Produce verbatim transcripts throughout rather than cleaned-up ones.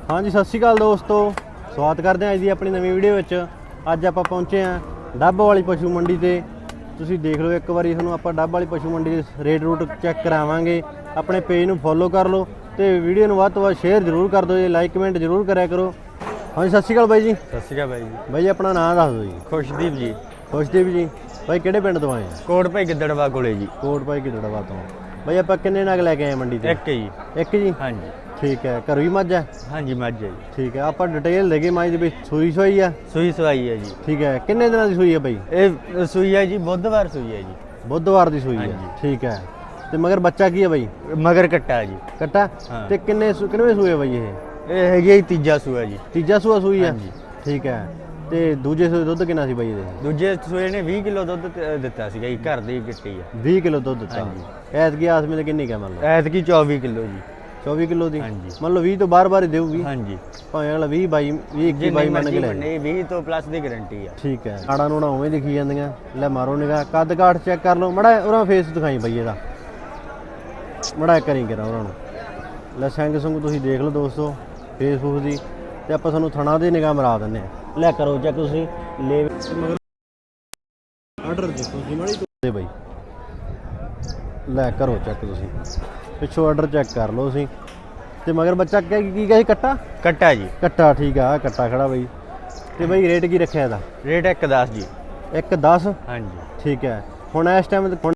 हाँ जी सत श्री अकाल दोस्तों, स्वागत करते हैं अज की अपनी नवी वीडियो विच। अज आप पहुँचे हैं डब वाली पशु मंडी से। तुसीं देख लो एक बार तुहानूं आपां डब वाली पशु मंडी के रेट रूट चैक करावांगे। अपने पेज नूं फॉलो कर लो तो वीडियो नूं वध तों वध शेयर जरूर कर दो जी, लाइक कमेंट जरूर करा करो। हाँ जी सत श्री अकाल बाई जी। सत श्री अकाल बाई जी। बाई अपना नाम दस दो जी। खुशदीप जी। खुशदीप जी बाई किहड़े पिंड तो आए हैं? कोट भाई गिद्दड़वा कोले जी। कोट भाई गिद्दड़वा तो। बाई आपां किन्ने नग लैके आए मंडी ते? एक जी। एक जी। हाँ जी ठीक है। घर भी मझ है? हाँ जी मझ है जी। ठीक है। आप डिटेल देगी मझ की सूई सुई है? सूई सुई है जी। ठीक है। किन्ने दिनों की सूई है बई? ये सूई है जी बुधवार सूई है जी। बुधवार की सूई है। ठीक है। तो मगर बच्चा की है बई? मगर कट्टा है जी। कट्टा? हाँ। तो किन्ने किन्ने सूए बई ये? ये है यही तीजा सूआ जी। तीजा सूआ सूई है? हाँ जी। ठीक है। तो दूजे सूए दुध कितना सी बई ये? दूजे सूए ने बीस किलो दुध दिता सीगा जी, घर दी गिट्टी है। बीस किलो दुध दिता। हाँ जी। ऐतकी आस में किन्नी क्या मतलब? ऐतकी चौबीस किलो जी। चौबीस किलो दी? हाँ जी। मतलब बीस तो बार बार ही देगी? हाँ जी। भावें अगला बीस बाई बीस इक्की बाई मन के ले। बीस तो प्लस की गारंटी है। ठीक है। आड़ा नूड़ा उवें दिखी जांदियां। ले मारो निगाह, कद काठ चेक कर लो मड़ा। उहदा फेस दिखाई बई इहदा मड़ा करी करा उहनां नूं। ले संग संग तुसीं देख लो दोस्तों फेस फूस दी। ते आपां तुहानूं थणा दी निगाह मरा दिंदे आ। ले करो चेक तुसीं ले आर्डर देखो तुसीं माड़ी दे बई। ले करो चेक तुसीं पिछों आर्डर चेक कर लो तुसीं। ते मगर बच्चा क्या की कहा कट्टा? कट्टा जी। कट्टा ठीक है। कट्टा खड़ा बई। ते बई रेट की रखिया इहदा? रेट एक दस जी। एक दस? हाँ जी। ठीक है। हुण इस टाइम दुध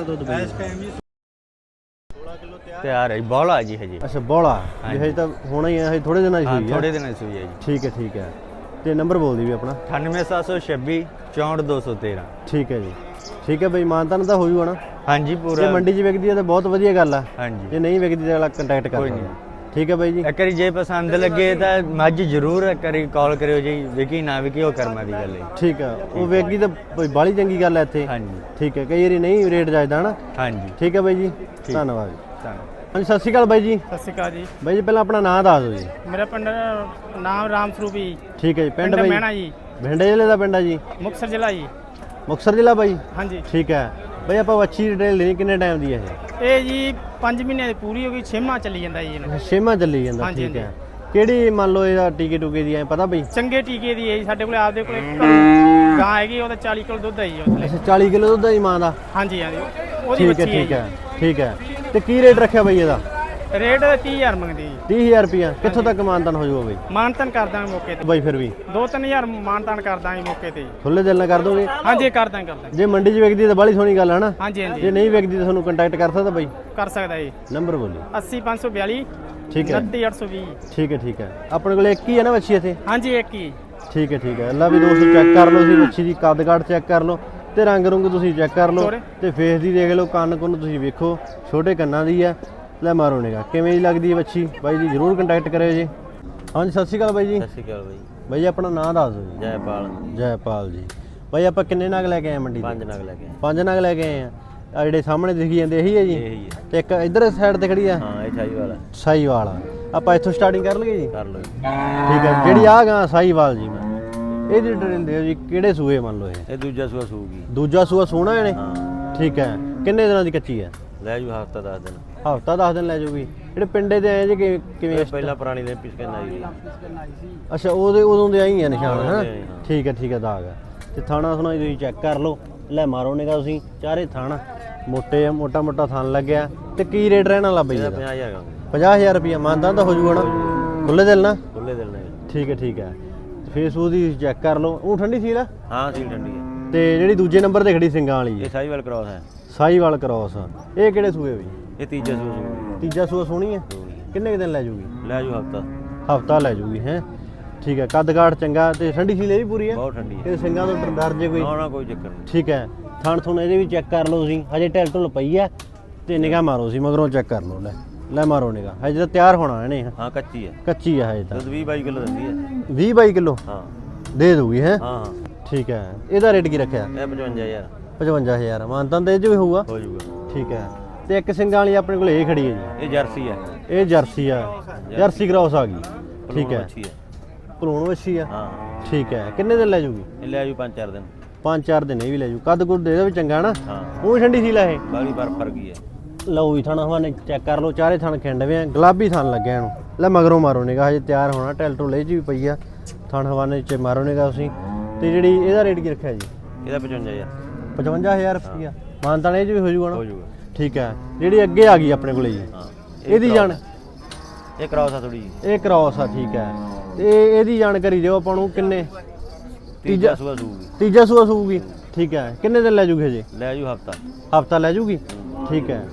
तैयार है बौला जी है जी। अच्छा बौला हजे तो होना ही है, हजे थोड़े दिन हाँ, सूई है? थोड़े दिन सूई है जी। ठीक है ठीक है। तो नंबर बोल दी भी अपना? अठानवे सात सौ छब्बी चौंठ दो सौ तेरह। ठीक है जी। ठीक है बई मानतान तो हो जूगा ना? हाँ जी पूरा। जे मंडी च विकदी है तो बहुत वधिया गल है। हाँ जी। जे नहीं विकदी तो अगला कंटैक्ट कर सकदा। ठीक है बाई जी। एक बारी जे पसंद लगे तो मझ जरूर एक बारी कॉल करियो जी। विकी ना विकी वो कर्मा दी गल है। ठीक है। वो विकदी तो बाली चंगी गल है इत्थे। हाँ जी। ठीक है। कई बारी नहीं रेट जायदा है ना? हाँ जी। ठीक है बाई जी। धन्यवाद जी। धन्यवाद। हाँ जी सत श्री अकाल बाई जी। सत श्री अकाल जी। बाई जी पहले अपना नाम दस दो जी। मेरा पिंड नाम राम स्वरूप जी। ठीक है जी। पिंड पिंड बाई मैना जी, भिंडे जिले का पिंड है जी? मुक्तसर जिला जी। मुक्तसर जिला बाई? हाँ जी। ठीक है। बई आप अच्छी डिटेल देनी किन्ने टाइम दी है ये? ਇਹ ਜੀ ਪੰਜ ਮਹੀਨਿਆਂ ਦੀ ਪੂਰੀ ਹੋ ਗਈ, ਛੇਵਾਂ ਚੱਲੀ ਜਾਂਦਾ ਜੀ ਇਹਨੂੰ। ਛੇਵਾਂ ਚੱਲੀ ਜਾਂਦਾ। ਹਾਂਜੀ, ਠੀਕ ਹੈ। ਕਿਹੜੀ ਮੰਨ ਲਓ ਇਹਦਾ ਟੀਕੇ ਟੂਕੇ ਦੀ ਐ ਪਤਾ ਬਈ? ਚੰਗੇ ਟੀਕੇ ਦੀ ਹੈ ਜੀ, ਸਾਡੇ ਕੋਲ ਆਪਦੇ ਕੋਲ ਗਾਂ ਹੈਗੀ, ਉਹਦਾ ਚਾਲੀ ਕਿਲੋ ਦੁੱਧ ਹੈ ਜੀ ਉਹਦੇ। ਅੱਛਾ ਚਾਲੀ ਕਿਲੋ ਦੁੱਧ ਹੈ ਜੀ ਮਾਂ ਦਾ? ਹਾਂਜੀ ਹਾਂਜੀ ਉਹਦੀ ਠੀਕ ਹੈ ਬੱਚੀ ਹੈ ਠੀਕ ਹੈ ਠੀਕ ਹੈ। ਤੇ ਕੀ ਰੇਟ ਰੱਖਿਆ ਬਈ ਇਹਦਾ? ਰੇਟ ਤੀਹ ਹਜ਼ਾਰ ਮੰਗਦੀ ਜੀ। ਤੀਹ ਹਜ਼ਾਰ ਰੁਪਇਆ ਕਿੱਥੋਂ ਤੱਕ ਮਾਨਤਾਨ ਹੋ ਜਾਊਗਾ ਬਈ? ਮਾਨਤਾਨ ਕਰ ਦਾਂਗੇ ਮੌਕੇ ਤੇ ਬਈ ਫਿਰ ਵੀ ਦੋ ਤਿੰਨ ਹਜ਼ਾਰ ਮਾਨਤਾਨ ਕਰ ਦਾਂਗੇ ਮੌਕੇ ਤੇ ਜੀ। ਖੁੱਲੇ ਦਿਲ ਨਾਲ ਕਰ ਦੋਗੇ? ਹਾਂਜੀ ਕਰ ਦਾਂਗੇ ਕਰ ਦਾਂਗੇ। ਜੇ ਮੰਡੀ 'ਚ ਵਿਕਦੀ ਤਾਂ ਬੜੀ ਸੋਹਣੀ ਗੱਲ ਹੈ ਨਾ? ਹਾਂਜੀ ਹਾਂਜੀ ਜੇ ਨਹੀਂ ਵਿਕਦੀ ਤਾਂ ਤੁਹਾਨੂੰ ਕੰਟੈਕਟ ਕਰ ਸਕਦਾ ਬਈ? ਕਰ ਸਕਦਾ ਜੀ। ਨੰਬਰ ਬੋਲੀ। ਅੱਸੀ ਪੰਜ ਸੌ ਬਿਆਲੀ ਠੀਕ ਹੈ। ਉਨੱਤੀ ਅੱਠ ਸੌ ਵੀਹ। ਠੀਕ ਹੈ ਠੀਕ ਹੈ। ਆਪਣੇ ਕੋਲ ਇੱਕ ਹੀ ਹੈ ਨਾ ਵੱਛੀ ਇੱਥੇ? ਹਾਂਜੀ ਇੱਕ ਹੀ। ਠੀਕ ਹੈ ਠੀਕ ਹੈ। ਅੱਲਾ ਵੀ ਦੋਸਤੋ ਚੈੱਕ ਕਰ ਲਓ, ਤੁਸੀਂ ਵੱਛੀ ਦੀ ਕੱਦ ਕਾਠ ਚੈੱਕ ਕਰ ਲਓ ਤੇ ਰੰਗ ਰੁੰਗ ਤੁਸੀਂ ਚੈੱਕ ਕਰ ਲਓ ਤੇ ਫੇਸ ਦੀ ਦੇਖ ਲਓ, ਕੰਨ ਕੁੰਨ ਤੁਸੀਂ ਵੇਖੋ, ਛੋਟੇ ਕੰਨਾਂ ਦੀ ਹੈ। ਲੈ ਮਾਰੋ ਨਿਗਾ ਕਿਵੇਂ ਦੀ ਲੱਗਦੀ ਹੈ ਵੱਛੀ ਬਾਈ ਜੀ, ਜ਼ਰੂਰ ਕੰਟੈਕਟ ਕਰਿਓ ਜੀ। ਹਾਂਜੀ ਸਤਿ ਸ਼੍ਰੀ ਅਕਾਲ ਬਾਈ ਜੀ। ਸਤਿ ਸ਼੍ਰੀ ਅਕਾਲ ਬਾਈ। ਬਾਈ ਜੀ ਆਪਣਾ ਨਾਮ ਦੱਸ ਦਿਓ ਜੀ। ਜੈਪਾਲ। ਜੈਪਾਲ ਜੀ। ਬਾਈ ਆਪਾਂ ਕਿੰਨੇ ਨਗ ਲੈ ਕੇ ਆਏ ਮੰਡੀ? ਪੰਜ ਨਗ ਲੈ ਕੇ ਆਏ। ਪੰਜ ਨਗ ਲੈ ਕੇ ਆਏ ਆ। ਆ ਜਿਹੜੇ ਸਾਹਮਣੇ ਦਿਖੀ ਜਾਂਦੇ ਇਹੀ ਹੈ ਜੀ? ਇਹੀ ਹੈ। ਤੇ ਇੱਕ ਇੱਧਰ ਸਾਈਡ ਤੇ ਖੜੀ ਆ? ਹਾਂ ਇਹ ਸਾਈਵਾਲ ਹੈ। ਸਾਈਵਾਲ ਆ। ਆਪਾਂ ਇੱਥੋਂ ਸਟਾਰਟਿੰਗ ਕਰ ਲਈਏ ਜੀ? ਕਰ ਲਓ ਜੀ। ਠੀਕ ਹੈ। ਜਿਹੜੀ ਆ ਗਾ ਸਾਈਵਾਲ ਜੀ, ਮੈਂ ਇਹਦੀ ਡਿਟੇਲ ਦਿਓ ਜੀ, ਕਿਹੜੇ ਸੂਏ ਮੰਨ ਲਓ ਇਹ? ਇਹ ਦੂਜਾ ਸੂਆ ਸੂਗੀ। ਦੂਜਾ ਸੂਆ ਸੋਹਣਾ ਇਹਨੇ? ਹਾਂ। ਠੀਕ ਹੈ। ਕਿੰਨੇ ਦਿਨਾਂ ਦੀ ਕੱਚੀ ਹੈ? ਲੈ ਜੂ ਹਫਤਾ ਦਸ ਦਿਨ। ਹਫਤਾ ਦਸ ਦਿਨ ਲੈ ਜਾਊਗੀ। ਜਿਹੜੇ ਪਿੰਡੇ ਦੇ ਆਏ ਜੀ ਕਿ- ਕਿਵੇਂ? ਇਹ ਪਹਿਲਾਂ ਪੁਰਾਣੀ ਨੇ ਪਿਸਕਨ ਆਈ ਸੀ। ਅੱਛਾ ਉਹਦੇ ਉਦੋਂ ਦੇ ਆਈ ਆ ਨਿਸ਼ਾਨ ਹੈ? ਹਾਂ। ਠੀਕ ਹੈ ਠੀਕ ਹੈ। ਦਾਗ ਹੈ। ਤੇ ਥਾਣਾ ਥੁਣਾ ਤੁਸੀਂ ਚੈੱਕ ਕਰ ਲਓ। ਲੈ ਮਾਰੋ ਨਿਗਾ ਤੁਸੀਂ, ਚਾਰੇ ਥਾਣਾ ਮੋਟੇ ਆ, ਮੋਟਾ ਮੋਟਾ ਥਣ ਲੱਗਿਆ। ਤੇ ਕੀ ਰੇਟ ਰਹਿਣ ਵਾਲਾ ਬਈ ਇਹਦਾ ਇਹਦਾ? ਪੰਜਾਹ ਹਜ਼ਾਰ ਪੰਜਾਹ ਹਜ਼ਾਰ ਰੁਪਇਆ ਮਾਨਤਾਨ ਤਾਂ ਹੋ ਜਾਊਗਾ ਨਾ? ਖੁੱਲੇ ਦਿਲ ਨਾ? ਖੁੱਲੇ ਦਿਲ ਨੇ। ਠੀਕ ਹੈ ਠੀਕ ਹੈ। ਫੇਸਬੁੱਕ ਦੀ ਚੈੱਕ ਕਰ ਲਓ। ਉਹ ਠੰਡੀ ਸੀ ਨਾ? ਹਾਂ ਸੀਲ ਠੰਡੀ ਹੈ। ਤੇ ਜਿਹੜੀ ਦੂਜੇ ਨੰਬਰ ਤੇ ਖੜੀ ਸਿੰਘਾਂ ਵਾਲੀ ਇਹ ਹੈ ਸਾਈਵਾਲ ਕ੍ਰਾਸ ਹੈ। ਸਾਈਵਾਲ ਕ੍ਰਾਸ, ਇਹ ਕਿਹੜੇ ਸੂਏ ਬਈ? ਇਹ ਤੀਜਾ ਸੂਆ ਸੂਗੀ। ਤੀਜਾ ਸੂਆ ਸੋਹਣੀ ਹੈ? ਕਿੰਨੇ ਕੁ ਦਿਨ ਲੈ ਜਾਊਗੀ? ਲੈ ਜੂ ਹਫਤਾ। ਹਫਤਾ ਲੈ ਜਾਊਗੀ ਹੈ? ਠੀਕ ਹੈ। ਕੱਦ ਕਾਠ ਚੰਗਾ ਤੇ ਠੰਡੀ ਸੀ ਵੀ ਪੂਰੀ ਹੈ? ਬਹੁਤ ਠੰਡੀ ਹੈ। ਇਹ ਸਿੰਘਾਂ ਤੋਂ ਡਰ ਜੇ ਕੋਈ? ਨਾ ਨਾ ਕੋਈ ਚੱਕਰ ਨਹੀਂ। ਠੀਕ ਹੈ। ਥਣ ਥੁਣ ਇਹਦੇ ਵੀ ਚੈੱਕ ਕਰ ਲਓ ਤੁਸੀਂ, ਹਜੇ ਢਿੱਲ ਢੁੱਲ ਪਈ ਹੈ ਤੇ ਨਿਗਾਹ ਮਾਰੋ ਸੀ ਮਗਰੋਂ ਚੈੱਕ ਕਰ ਲਓ। ਲੈ ਲੈ ਮਾਰੋ ਨਿਗਾਹ, ਹਜੇ ਤਾਂ ਤਿਆਰ ਹੋਣਾ ਇਹਨੇ। ਹਾਂ ਕੱਚੀ ਹੈ। ਕੱਚੀ ਹੈ ਹਜੇ ਤਾਂ। ਦੁੱਧ ਵੀਹ ਬਾਈ ਕਿਲੋ ਦਿੰਦੀ ਹੈ। ਵੀਹ ਬਾਈ ਕਿਲੋ ਹਾਂ ਦੇ ਦੂਗੀ ਹੈ? ਹਾਂ ਹਾਂ। ਠੀਕ ਹੈ। ਇਹਦਾ ਰੇਟ ਕੀ ਰੱਖਿਆ? ਇਹ ਪਚਵੰਜਾ ਹਜ਼ਾਰ। ਪਚਵੰਜਾ ਹਜ਼ਾਰ ਮਾਨਤਾਨ ਤੇ ਇਹ 'ਚ ਵੀ ਹੋਊਗਾ? ਹੋ ਜਾਊਗਾ। ਠੀਕ ਹੈ। ਤੇ ਇੱਕ ਸਿੰਘਾਂ ਵਾਲੀ ਆਪਣੇ ਕੋਲ ਇਹ ਖੜੀ ਹੈ ਜੀ? ਇਹ ਜਰਸੀ ਹੈ। ਇਹ ਜਰਸੀ ਆ? ਜਰਸੀ ਕ੍ਰਾਸ ਆ ਗਈ। ਠੀਕ ਹੈ। ਅੱਛੀ ਹੈ। ਭਲੂਣ ਵੱਛੀ ਆ? ਹਾਂ ਠੀਕ ਹੈ। ਕਿੰਨੇ ਦਿਨ ਲੈ ਜਾਊਗੀ? ਇਹ ਲੈ ਜੂ ਪੰਜ ਚਾਰ ਦਿਨ। ਪੰਜ ਚਾਰ ਦਿਨ ਇਹ ਵੀ ਲੈ ਜੂ। ਕੱਦ ਕੁੱਦ ਇਹਦਾ ਵੀ ਚੰਗਾ ਨਾ? ਹਾਂ ਉਹ ਵੀ ਠੰਡੀ ਸੀ ਲੈ ਇਹ? ਬਾਲੀ ਬਰਫ ਫਰ ਗਈ ਹੈ। ਲਓ ਵੀ ਥਣ ਹਵਾਨੇ ਚੈੱਕ ਕਰ ਲਓ, ਚਾਰੇ ਥਣ ਖਿੰਡਵੇਂ ਆ, ਗੁਲਾਬੀ ਥਣ ਲੱਗਿਆ ਇਹਨੂੰ। ਲੈ ਮਗਰੋਂ ਮਾਰੋ ਨਿਗਾ, ਹਜੇ ਤਿਆਰ ਹੋਣਾ, ਟੈਲ ਟੋਲੇ 'ਚ ਵੀ ਪਈ ਆ, ਥਣ ਹਵਾਨੇ 'ਚ ਮਾਰੋ ਨਿਗਾ ਤੁਸੀਂ। ਤੇ ਜਿਹੜੀ ਇਹਦਾ ਰੇਟ ਕੀ ਰੱਖਿਆ ਜੀ? ਇਹਦਾ ਪਚਵੰਜਾ ਹਜ਼ਾਰ ਪਚਵੰਜਾ ਹਜ਼ਾਰ ਰੁਪਈਆ ਮਾਨਤਾਨ ਇਹ 'ਚ ਵੀ ਹੋ ਜੂਗਾ ਨਾ? ਹੋ ਜਾਊਗਾ। ਠੀਕ ਹੈ। ਜਿਹੜੀ ਅੱਗੇ ਆ ਗਈ ਆਪਣੇ ਕੋਲੇ ਜੀ, ਹਾਂ ਇਹਦੀ ਜਾਣ ਇਹ ਕਰਾਓ ਸਾ ਥੋੜੀ ਜੀ। ਇਹ ਕ੍ਰਾਸ ਆ, ਠੀਕ ਹੈ। ਤੇ ਇਹਦੀ ਜਾਣਕਾਰੀ ਦਿਓ ਆਪਾਂ ਨੂੰ, ਕਿੰਨੇ ਤੀਜਾ ਸੂਆ ਦੂਗੀ, ਤੀਜਾ ਸੂਆ ਸੂਗੀ? ਠੀਕ ਹੈ। ਕਿੰਨੇ ਦਿਨ ਲੈ ਜੂਗੇ ਜੀ? ਲੈ ਜੂ ਹਫਤਾ। ਹਫਤਾ ਲੈ ਜੂਗੀ, ਠੀਕ ਹੈ।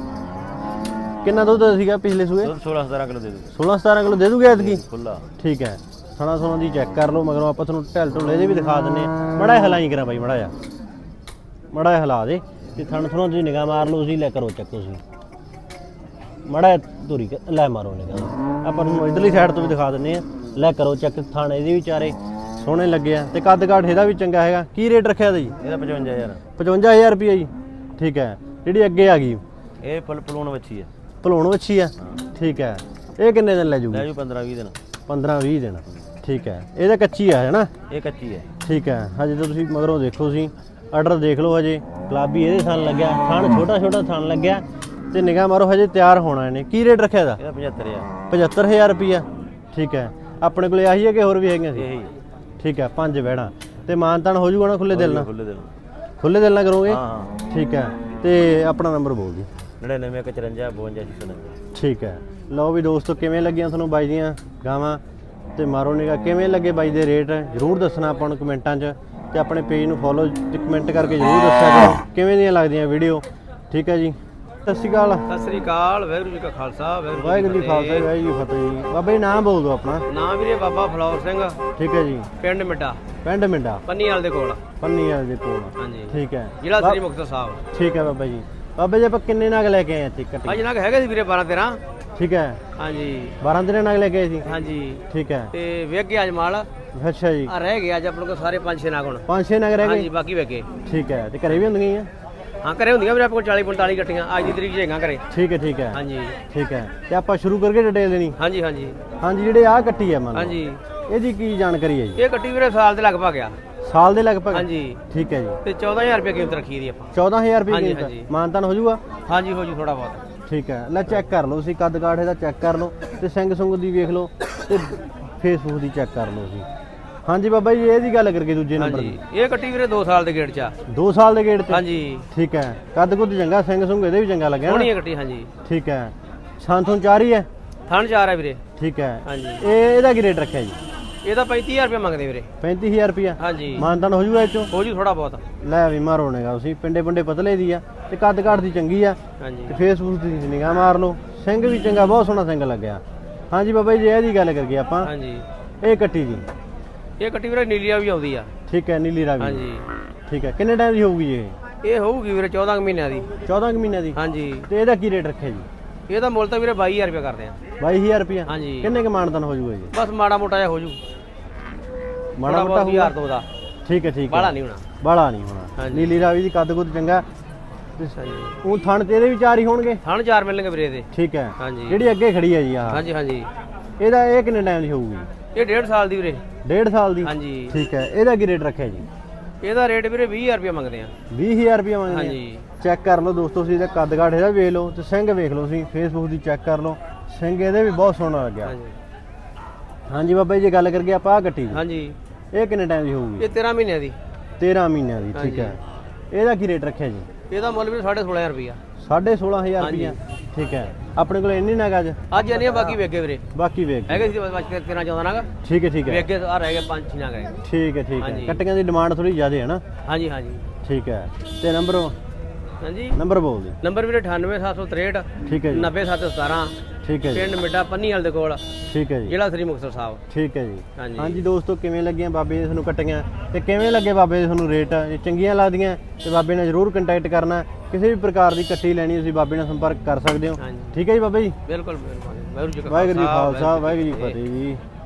ਕਿੰਨਾ ਦੁੱਧ ਸੀਗਾ ਪਿਛਲੇ ਸੂਏ? ਸੋਲਾਂ ਸਤਾਰਾਂ ਕਿਲੋ ਦੇ ਦੂ ਸੋਲਾਂ ਸਤਾਰਾਂ ਕਿਲੋ ਦੇ ਦੂਗੇ ਐਤਕੀ? ਖੁੱਲਾ। ਠੀਕ ਹੈ। ਸਣਾ ਸੋਨਾ ਦੀ ਚੈੱਕ ਕਰ ਲਓ, ਮਗਰੋਂ ਆਪਾਂ ਤੁਹਾਨੂੰ ਢਿੱਲ ਢੁੱਲੇ ਦੇ ਵੀ ਦਿਖਾ ਦਿੰਨੇ ਆ। ਮੜਾ ਹਲਾਈ ਕਰਾਂ ਬਾਈ, ਮੜਾ ਜਾ ਮੜਾ ਹਿਲਾ ਦੇ ਤੇ ਥਣ ਥਣੋਂ ਤੁਸੀਂ ਨਿਗਾਹ ਮਾਰ ਲਓ, ਤੁਸੀਂ ਲੈ ਕਰੋ ਚੱਕ ਤੁਸੀਂ ਮੜਾ ਧੂਰੀ ਲੈ ਮਾਰੋ ਨਿਗਾਹ। ਆਪਾਂ ਤੁਹਾਨੂੰ ਇਧਰਲੀ ਸਾਈਡ ਤੋਂ ਵੀ ਦਿਖਾ ਦਿੰਨੇ ਆ, ਲੈ ਕਰੋ ਚੱਕ। ਥਣ ਇਹਦੇ ਵੀ ਚਾਰੇ ਸੋਹਣੇ ਲੱਗੇ ਆ ਤੇ ਕੱਦ ਕਾਠ ਇਹਦਾ ਵੀ ਚੰਗਾ ਹੈਗਾ। ਕੀ ਰੇਟ ਰੱਖਿਆ ਇਹਦਾ ਜੀ? ਇਹਦਾ ਪਚਵੰਜਾ ਹਜ਼ਾਰ ਪਚਵੰਜਾ ਹਜ਼ਾਰ ਰੁਪਈਆ ਜੀ, ਠੀਕ ਹੈ। ਜਿਹੜੀ ਅੱਗੇ ਆ ਗਈ ਇਹ ਫੁੱਲ ਪਲੂਣ ਵੱਛੀ ਹੈ, ਭਲੋਣ ਵੱਛੀ ਆ, ਠੀਕ ਹੈ। ਇਹ ਕਿੰਨੇ ਦਿਨ ਲੈ ਲੈ ਜੂਗੀ? ਜੂ ਪੰਦਰਾਂ ਵੀਹ ਦਿਨ। ਪੰਦਰਾਂ ਵੀਹ ਦਿਨ, ਠੀਕ ਹੈ। ਇਹਦਾ ਕੱਚੀ ਆ ਹੈ ਨਾ? ਇਹ ਕੱਚੀ ਹੈ। ਠੀਕ ਹੈ। ਹਜੇ ਤਾਂ ਤੁਸੀਂ ਮਗਰੋਂ ਦੇਖੋ, ਤੁਸੀਂ ਆਰਡਰ ਦੇਖ ਲਓ। ਹਜੇ ਗੁਲਾਬੀ ਇਹਦੇ ਥਣ ਲੱਗਿਆ, ਥਣ ਛੋਟਾ ਛੋਟਾ ਥਣ ਲੱਗਿਆ ਤੇ ਨਿਗਾਹ ਮਾਰੋ, ਹਜੇ ਤਿਆਰ ਹੋਣਾ ਇਹਨੇ। ਕੀ ਰੇਟ ਰੱਖਿਆ ਇਹਦਾ? ਇਹਦਾ ਪਝੱਤਰ ਹਜ਼ਾਰ ਪਝੱਤਰ ਹਜ਼ਾਰ ਰੁਪਈਆ, ਠੀਕ ਹੈ। ਆਪਣੇ ਕੋਲੇ ਆਹੀ ਹੈ ਕਿ ਹੋਰ ਵੀ ਹੈਗੀਆਂ ਸੀ? ਇਹੀ ਠੀਕ ਹੈ। ਪੰਜ ਵਹਿੜਾਂ ਤੇ ਮਾਨਤਾਨ ਹੋ ਜੂਗਾ ਨਾ ਖੁੱਲੇ ਦਿਲ ਨਾਲ? ਖੁੱਲੇ ਦਿਨ। ਖੁੱਲੇ ਦਿਲ ਨਾਲ ਕਰੋਗੇ? ਹਾਂ ਠੀਕ ਹੈ। ਤੇ ਆਪਣਾ ਨੰਬਰ ਬੋਲ ਦਿਓ। ਨੜਿਨਵੇਂ ਇੱਕ ਚੁਰੰਜਾ ਬਵੰਜਾ ਛੇ ਸੌ ਨੱਬੇ। ਠੀਕ ਹੈ। ਲਓ ਵੀ ਦੋਸਤੋ, ਕਿਵੇਂ ਲੱਗੀਆਂ ਤੁਹਾਨੂੰ ਬਾਈ ਦੀਆਂ ਗਾਵਾਂ ਤੇ ਮਾਰੋ ਨਿਗਾ, ਕਿਵੇਂ ਲੱਗੇ ਬਾਈ ਦੇ ਰੇਟ ਜ਼ਰੂਰ ਦੱਸਣਾ ਆਪਾਂ ਨੂੰ ਕਮੈਂਟਾਂ 'ਚ, ਤੇ ਆਪਣੇ ਪੇਜ ਨੂੰ ਫੋਲੋ ਤੇ ਕਮੈਂਟ ਕਰਕੇ ਜ਼ਰੂਰ ਦੱਸਿਆ ਕਰੋ ਕਿਵੇਂ ਦੀਆਂ ਲੱਗਦੀਆਂ ਵੀਡੀਓ। ਠੀਕ ਹੈ ਜੀ। ਸਤਿ ਸ਼੍ਰੀ ਅਕਾਲ। ਸਤਿ ਸ੍ਰੀ ਅਕਾਲ। ਵਾਹਿਗੁਰੂ ਜੀ ਕਾ ਖਾਲਸਾ, ਵਾਹਿਗੁਰੂ ਜੀ ਖਾਲਸਾ, ਵਾਹਿਗੁਰੂ ਜੀ ਫਤਿਹ ਜੀ। ਬਾਬਾ ਜੀ ਨਾਮ ਬੋਲ ਦਿਓ ਆਪਣਾ। ਨਾਮ ਵੀਰੇ ਬਾਬਾ ਫਲੋਰ ਸਿੰਘ, ਠੀਕ ਹੈ ਜੀ। ਪਿੰਡ ਮਿੱਟਾ, ਪਿੰਡ ਮਿੰਡਾ, ਪੰਨੀਵਾਲ ਦੇ ਕੋਲ। ਪੰਨੀ ਵਾਲੇ ਦੇ ਕੋਲ, ਹਾਂਜੀ, ਠੀਕ ਹੈ। ਜ਼ਿਲ੍ਹਾ ਸ੍ਰੀ ਮੁਕਤਸਰ ਸਾਹਿਬ। ਠੀਕ ਹੈ ਬਾਬਾ ਜੀ। ਬਾਬਾ ਜੀ ਆਪਾਂ ਕਿੰਨੇ ਨਗ ਲੈ ਕੇ ਆਏ ਇੱਥੇ ਕੱਟੀ? ਅੱਜ ਨਾ ਹੈਗੇ ਸੀ ਵੀਰੇ ਬਾਰਾਂ ਤੇਰਾਂ। ਠੀਕ ਹੈ। ਹਾਂਜੀ ਬਾਰਾਂ ਤੇਰਾਂ ਨਗ ਲੈ ਕੇ ਆਏ ਸੀ? ਹਾਂਜੀ। ਠੀਕ ਹੈ। ਤੇ ਵੇਖ ਗਿਆ ਅੱਜ ਮਾਲ ਅੱਛਾ ਜੀ। ਆ ਰਹਿ ਗਏ ਅੱਜ ਆਪਣੇ ਕੋਲ ਸਾਰੇ ਪੰਜ ਛੇ ਨਾਗ ਹੁਣ। ਪੰਜ ਛੇ ਨਗ ਰਹਿ ਹਾਂਜੀ ਗਏ? ਬਾਕੀ ਵੇਖ ਗਏ। ਠੀਕ ਹੈ। ਤੇ ਘਰੇ ਵੀ ਹੁੰਦੀਆਂ ਹੀ ਆ? ਹਾਂ ਘਰੇ ਹੁੰਦੀਆਂ ਵੀਰੇ ਆਪਣੇ ਕੋਲ ਚਾਲੀ ਪੰਤਾਲੀ ਗੱਟੀਆਂ ਅੱਜ ਦੀ ਤਰੀਕ 'ਚ ਹੈਗਾ ਘਰੇ। ਠੀਕ ਹੈ, ਠੀਕ ਹੈ। ਹਾਂਜੀ ਠੀਕ ਹੈ। ਤੇ ਆਪਾਂ ਸ਼ੁਰੂ ਕਰਕੇ ਡਿਟੇਲ ਦੇਣੀ? ਹਾਂਜੀ ਹਾਂਜੀ ਹਾਂਜੀ। ਜਿਹੜੇ ਆਹ ਕੱਟੀ ਹੈ ਮੰਨ ਲਓ, ਹਾਂਜੀ। ਇਹਦੀ ਕੀ ਜਾਣਕਾਰੀ ਹੈ ਜੀ? ਇਹ ਗੱਟੀ ਵੀਰੇ ਸਾਲ ਦੇ ਲਗਭਗ ਆ। ਸਾਲ ਦੇ ਲਗਭਗ? ਹਾਂਜੀ। ਠੀਕ ਹੈ ਜੀ। ਤੇ ਚੌਦਾਂ ਹਜ਼ਾਰ ਰੁਪਏ ਕੀਮਤ ਰੱਖੀ ਦੀ ਆਪਾਂ। ਚੌਦਾਂ ਹਜ਼ਾਰ ਰੁਪਏ ਹਾਂਜੀ, ਕੀਮਤ? ਹਾਂਜੀ। ਮਾਨਤਾਨ ਹੋ ਜਾਊਗਾ? ਹਾਂਜੀ ਹੋ ਜੂ ਥੋੜਾ ਬਹੁਤ। ਠੀਕ ਹੈ। ਲੈ ਚੈੱਕ ਕਰ ਲਓ ਤੁਸੀਂ, ਕੱਦ ਕਾਠ ਇਹਦਾ ਚੈੱਕ ਕਰ ਲਓ ਤੇ ਸਿੰਘ ਸੁੰਗ ਦੀ ਵੇਖ ਲਓ ਤੇ ਫੇਸਬੁੱਕ ਦੀ ਚੈੱਕ ਕਰ ਲਓ ਤੁਸੀਂ। ਹਾਂਜੀ ਬਾਬਾ ਜੀ, ਇਹਦੀ ਗੱਲ ਕਰਕੇ ਦੂਜੇ ਨੰਬਰ ਹਾਂਜੀ ਦੀ। ਇਹ ਗੱਟੀ ਵੀਰੇ ਦੋ ਸਾਲ ਦੇ ਗੇੜ 'ਚ ਆ। ਦੋ ਸਾਲ ਦੇ ਗੇੜ ਤੇ? ਹਾਂਜੀ ਠੀਕ ਹੈ। ਕੱਦ ਕੁੱਦ ਚੰਗਾ, ਸਿੰਘ ਸੁੰਗ ਇਹਦੇ ਵੀ ਚੰਗਾ ਲੱਗਿਆ ਸੋਹਣੀ ਨਾ? ਹੈ ਗੱਟੀ। ਹਾਂਜੀ ਠੀਕ ਹੈ। ਸੰਥੋਂ ਚਾਰ ਹੀ ਹੈ? ਥਣ ਚਾਰ ਹੈ ਵੀਰੇ। ਠੀਕ ਹੈ। ਹਾਂਜੀ ਇਹ ਇਹਦਾ ਕੀ ਰੇਟ ਰੱਖਿਆ ਜੀ? ਇਹਦਾ ਪੈਂਤੀ ਹਜ਼ਾਰ ਰੁਪਏ ਮੰਗਦੇ ਵੀਰੇ। ਪੈਂਤੀ ਹਜ਼ਾਰ ਰੁਪਇਆ? ਹਾਂਜੀ ਮਾਨਤਾਨ ਹੋ ਜੂਗਾ ਇਹ ਚੋਂ? ਹੋ ਜੂ ਥੋੜਾ ਬਹੁਤ। ਲੈ ਵੀ ਮਾਰੋ ਨਿਗਾ ਤੁਸੀਂ, ਪਿੰਡੇ ਪਿੰਡੇ ਪਤਲੇ ਦੀ ਆ ਤੇ ਕੱਦ ਕਾਠ ਦੀ ਚੰਗੀ ਆ ਹਾਂਜੀ ਤੇ ਫੇਸਬੁੱਕ ਦੀ ਨਿਗਾਹ ਮਾਰ ਲਓ, ਸਿੰਘ ਵੀ ਚੰਗਾ, ਬਹੁਤ ਸੋਹਣਾ ਸਿੰਘ ਲੱਗਿਆ। ਹਾਂਜੀ ਬਾਬਾ ਜੀ, ਇਹਦੀ ਗੱਲ ਕਰੀਏ ਆਪਾਂ, ਹਾਂਜੀ ਇਹ ਕੱਟੀ ਦੀ? ਇਹ ਗੱਟੀ ਵੀਰੇ ਨੀਲੀਆ ਵੀ ਆਉਂਦੀ ਆ। ਠੀਕ ਹੈ। ਨੀਲੀ ਰਾਵੀ? ਹਾਂਜੀ ਠੀਕ ਹੈ। ਕਿੰਨੇ ਟਾਈਮ ਦੀ ਹੋਊਗੀ ਜੀ ਇਹ? ਇਹ ਹੋਊਗੀ ਵੀਰੇ ਚੌਦਾਂ ਕੁ ਮਹੀਨਿਆਂ ਦੀ। ਚੌਦਾਂ ਕੁ ਮਹੀਨਿਆਂ ਦੀ? ਹਾਂਜੀ ਤੇ ਇਹਦਾ ਕੀ ਰੇਟ ਰੱਖਿਆ ਜੀ? ਇਹਦਾ ਮੁੱਲ ਤਾਂ ਵੀਰੇ ਬਾਈ ਹਜ਼ਾਰ ਰੁਪਏ ਕਰਦੇ ਆ। ਬਾਈ ਹਜ਼ਾਰ ਰੁਪਇਆ? ਹਾਂਜੀ ਕਿੰਨੇ ਕੁ ਮਾਨਤਾਨ ਹੋ ਜੂਗਾ ਜੀ? ਬਸ ਮਾੜਾ ਮੋਟਾ ਜਿਹਾ ਹੋ ਜੂ, ਮਾੜਾ ਮੋਟਾ ਹਜ਼ਾਰ ਦੋ ਦਾ। ਠੀਕ ਹੈ, ਠੀਕ ਹੈ। ਬਾਹਲਾ ਨਹੀਂ ਹੋਣਾ। ਬਾਹਲਾ ਨਹੀਂ ਹੋਣਾ। ਹਾਂਜੀ। ਨੀਲੀ ਰਾਵੀ ਦੀ ਕੱਦ ਕੁੱਦ ਚੰਗਾ ਤੇ ਹਾਂਜੀ ਉਹ ਥਣ ਤੇ ਇਹਦੇ ਵੀ ਚਾਰ ਹੀ ਹੋਣਗੇ? ਥਣ ਚਾਰ ਮਿਲਣਗੇ ਵੀਰੇ ਇਹਦੇ। ਠੀਕ ਹੈ। ਹਾਂਜੀ ਜਿਹੜੀ ਅੱਗੇ ਖੜੀ ਹੈ ਜੀ ਆਹ, ਹਾਂਜੀ ਹਾਂਜੀ ਇਹਦਾ ਇਹ ਕਿੰਨੇ ਟਾਈਮ ਦੀ ਹੋਊਗੀ? ਇਹ ਡੇਢ ਸਾਲ ਦੀ ਵੀਰੇ। ਡੇਢ ਸਾਲ ਦੀ? ਹਾਂਜੀ ਠੀਕ ਹੈ। ਇਹਦਾ ਕੀ ਰੇਟ ਰੱਖਿਆ ਜੀ? ਇਹਦਾ ਰੇਟ ਵੀਰੇ ਵੀਹ ਹਜ਼ਾਰ ਰੁਪਏ ਮੰਗਦੇ ਆ। ਵੀਹ ਹਜ਼ਾਰ ਰੁਪਇਆ ਮੰਗਦੇ ਆ? ਹਾਂਜੀ ਚੈੱਕ ਕਰ ਲਓ ਦੋਸਤੋ, ਤੁਸੀਂ ਇਹਦਾ ਕੱਦ ਕਾਠ ਇਹਦਾ ਵੇਖ ਲਓ ਤੇ ਸਿੰਘ ਵੇਖ ਲਓ, ਤੁਸੀਂ ਫੇਸਬੁੱਕ ਦੀ ਚੈੱਕ ਕਰ ਲਓ, ਸਿੰਘ ਇਹਦੇ ਵੀ ਬਹੁਤ ਸੋਹਣਾ ਲੱਗਿਆ। ਹਾਂਜੀ ਹਾਂਜੀ ਬਾਬਾ ਜੀ, ਜੇ ਗੱਲ ਕਰੀਏ ਆਪਾਂ ਆਹ ਕੱਟੀ ਦੀ, ਹਾਂਜੀ ਇਹ ਕਿੰਨੇ ਟਾਈਮ ਦੀ ਹੋਊਗੀ? ਇਹ ਤੇਰਾਂ ਮਹੀਨਿਆਂ ਦੀ। ਤੇਰਾਂ ਮਹੀਨਿਆਂ ਦੀ? ਠੀਕ ਹਾਂਜੀ। ਹੈ। ਇਹਦਾ ਕੀ ਰੇਟ ਰੱਖਿਆ ਜੀ? ਇਹਦਾ ਮੁੱਲ ਵੀ ਸਾਢੇ ਸੋਲਾਂ ਹਜ਼ਾਰ ਰੁਪਇਆ। ਸਾਢੇ ਸੋਲਾਂ ਹਜ਼ਾਰ ਹਾਂਜੀ। ਰੁਪਇਆ? ਠੀਕ ਹੈ। ਆਪਣੇ ਕੋਲ ਇੰਨੀ ਨਗ ਅੱਜ? ਅੱਜ ਨਹੀਂ ਬਾਕੀ ਵੇਗੇ ਵੀਰੇ। ਬਾਕੀ ਵੇਖ ਹੈਗੇ ਸੀ ਬਸ ਤੇਰਾਂ ਚੌਦਾਂ ਨਾਗ। ਠੀਕ ਹੈ, ਠੀਕ ਹੈ। ਵੇਗੇ ਆ ਰਹਿ ਗਏ ਪੰਜ ਛੇ ਨਾਗ ਹੈਗੇ। ਠੀਕ ਹੈ, ਠੀਕ ਹੈ। ਹਾਂਜੀ। ਕੱਟੀਆਂ ਦੀ ਡਿਮਾਂਡ ਥੋੜੀ ਜ਼ਿਆਦਾ ਹੈ ਨਾ? ਹਾਂਜੀ ਹਾਂਜੀ ਠੀਕ ਹੈ। ਤੇ ਨੰਬਰ ਹਾਂਜੀ ਨੰਬਰ ਬੋਲ ਦਿਓ। ਨੰਬਰ ਵੀਰੇ ਅਠਾਨਵੇਂ ਸੱਤ ਸੌ ਤਰੇਹਠ ਠੀਕ ਹੈ ਜੀ। ਨੱਬੇ ਸੱਤ ਸਤਾਰਾਂ। ਠੀਕ ਹੈ ਜੀ। ਪਿੰਡ ਮਿੱਟਾ ਪੰਨੀਵਾਲ ਦੇ ਕੋਲ, ਠੀਕ ਹੈ ਜੀ। ਜ਼ਿਲ੍ਹਾ ਸ੍ਰੀ ਮੁਕਤਸਰ ਸਾਹਿਬ। ਠੀਕ ਹੈ ਜੀ। ਹਾਂਜੀ। ਹਾਂਜੀ ਦੋਸਤੋ, ਕਿਵੇਂ ਲੱਗੀਆਂ ਬਾਬੇ ਦੇ ਤੁਹਾਨੂੰ ਕੱਟੀਆਂ ਤੇ ਕਿਵੇਂ ਲੱਗੇ ਬਾਬੇ ਦੇ ਤੁਹਾਨੂੰ ਰੇਟ? ਜੇ ਚੰਗੀਆਂ ਲੱਗਦੀਆਂ ਤੇ ਬਾਬੇ ਨਾਲ ਜ਼ਰੂਰ ਕੰਟੈਕਟ ਕਰਨਾ। ਕਿਸੇ ਵੀ ਪ੍ਰਕਾਰ ਦੀ ਕੱਟੀ ਲੈਣੀ ਤੁਸੀਂ ਬਾਬੇ ਨਾਲ ਸੰਪਰਕ ਕਰ ਸਕਦੇ ਹੋ। ਹਾਂਜੀ ਠੀਕ ਹੈ ਜੀ ਬਾਬਾ ਜੀ। ਬਿਲਕੁਲ ਬਿਲਕੁਲ। ਵਾਹਿਗੁਰੂ ਜੀ ਕਾ ਵਾਹਿਗੁਰੂ ਜੀ ਖਾਲਸਾ, ਖਾਲਸਾ, ਵਾਹਿਗੁਰੂ ਜੀ ਕੀ ਫਤਿਹ ਜੀ।